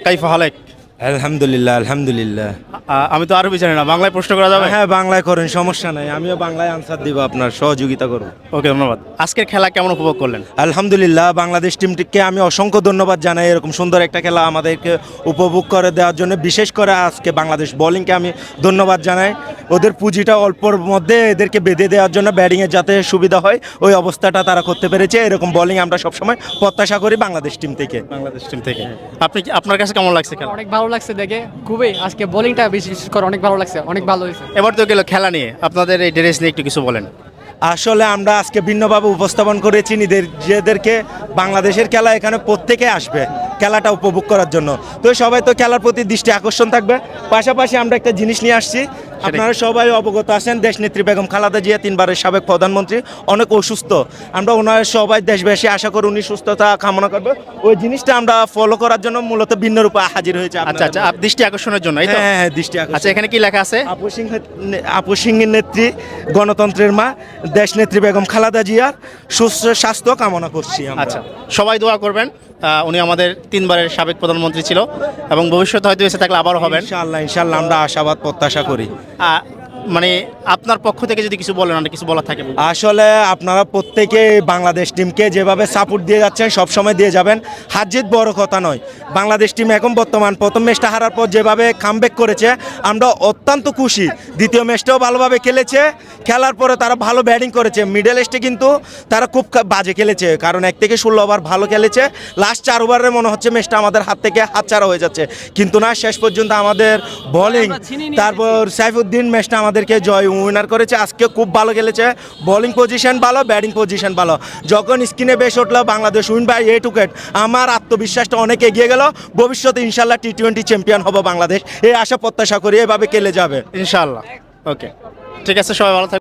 কাইফা হালেক? আলহামদুলিল্লাহ আলহামদুলিল্লাহ। আমি তো আরবি জানি না, বাংলায় প্রশ্ন করা যাবে? হ্যাঁ বাংলায় করেন, সমস্যা নাই, আমিও বাংলায় আনসার দিব, আপনার সহযোগিতা করব। ওকে, ধন্যবাদ। আজকের খেলা কেমন উপভোগ করলেন? আলহামদুলিল্লাহ, বাংলাদেশ টিমটিকে আমি অসংখ্য ধন্যবাদ জানাই এরকম সুন্দর একটা খেলা আমাদেরকে উপভোগ করে দেওয়ার জন্য। বিশেষ করে আজকে বাংলাদেশ বোলিংকে আমি ধন্যবাদ জানাই। ওদের পুঁজিটা অল্পর মধ্যে এদেরকে বেঁধে দেওয়ার জন্য, ব্যাটিংয়ের যাতে সুবিধা হয় ওই অবস্থাটা তারা করতে পেরেছে। এরকম বোলিং আমরা সবসময় প্রত্যাশা করি বাংলাদেশ টিম থেকে। বাংলাদেশ টিম থেকে আপনার কাছে কেমন লাগছে খেলা? অনেক ভালো লাগছে দেখে, খুবই আজকে বোলিংটা বিশেষ করে অনেক ভালো লাগছে, অনেক ভালো হয়েছে। এবার তো গেল খেলা নিয়ে, আপনাদের এই ড্রেস নিয়ে একটু কিছু বলেন। আসলে আমরা আজকে ভিন্নভাবে উপস্থাপন করেছি নিজেদেরকে। বাংলাদেশের খেলা এখানে প্রত্যেকে আসবে খেলাটা উপভোগ করার জন্য, তো সবাই তো খেলার প্রতি দৃষ্টি আকর্ষণ থাকবে। পাশাপাশি আমরা একটা জিনিস নিয়ে আসছি, আপনারা সবাই অবগত আছেন, দেশনেত্রী বেগম খালেদা জিয়া 3 বারের সাবেক প্রধানমন্ত্রী অনেক অসুস্থ। আমরা ওনার সবাই দেশবাসী আশা করি উনি সুস্থতা কামনা করবে। ওই জিনিসটা আমরা ফলো করার জন্য মূলত ভিন্ন রূপে হাজির হয়েছে। আচ্ছা আচ্ছা, দৃষ্টি আকর্ষণের জন্য, এই তো? হ্যাঁ হ্যাঁ, দৃষ্টি আকর্ষণ। আচ্ছা, এখানে কি লেখা আছে? আপু সিংহের নেত্রী, গণতন্ত্রের মা, দেশনেত্রী বেগম খালেদা জিয়ার সুস্থ স্বাস্থ্য কামনা করছি আমরা। আচ্ছা, সবাই দোয়া করবেন। উনি আমাদের 3 বারের সাবেক প্রধানমন্ত্রী ছিল এবং ভবিষ্যতে হয়তো এসে থাকলে আবারও হবেন ইনশাআল্লাহ ইনশাআল্লাহ, আমরা আশাবাদ প্রত্যাশা করি। মানে আপনার পক্ষ থেকে যদি কিছু বলেন, আর কিছু বলার থাকে? আসলে আপনারা প্রত্যেকে বাংলাদেশ টিমকে যেভাবে সাপোর্ট দিয়ে যাচ্ছেন সবসময় দিয়ে যাবেন। হার জিত বড় কথা নয়, বাংলাদেশ টিম এখন বর্তমান প্রথম ম্যাচটা হারার পর যেভাবে কামব্যাক করেছে আমরা অত্যন্ত খুশি। দ্বিতীয় ম্যাচটাও ভালোভাবে খেলেছে, খেলার পরে তারা ভালো ব্যাটিং করেছে। মিডল ইস্টে কিন্তু তারা খুব বাজে খেলেছে, কারণ 1 থেকে 16 ওভার ভালো খেলেছে। লাস্ট 4 ওভারে মনে হচ্ছে ম্যাচটা আমাদের হাত থেকে হাতছাড়া হয়ে যাচ্ছে, কিন্তু না, শেষ পর্যন্ত আমাদের বোলিং, তারপর সাইফুদ্দিন ম্যাচটা আমাদেরকে জয় উইনার করেছে। আজকে খুব ভালো খেলেছে, বোলিং পজিশন ভালো, ব্যাটিং পজিশন ভালো। যখন স্ক্রিনে বেশ উঠলো বাংলাদেশ উইন বাই 8 উইকেট, আমার আত্মবিশ্বাসটা অনেক এগিয়ে গেল। ভবিষ্যতে ইনশাল্লাহ T20 চ্যাম্পিয়ন হবে বাংলাদেশ, এই আশা প্রত্যাশা করি, এভাবে খেলে যাবে ইনশাআল্লাহ। ওকে, ঠিক আছে, সবাই ভালো থাকবেন।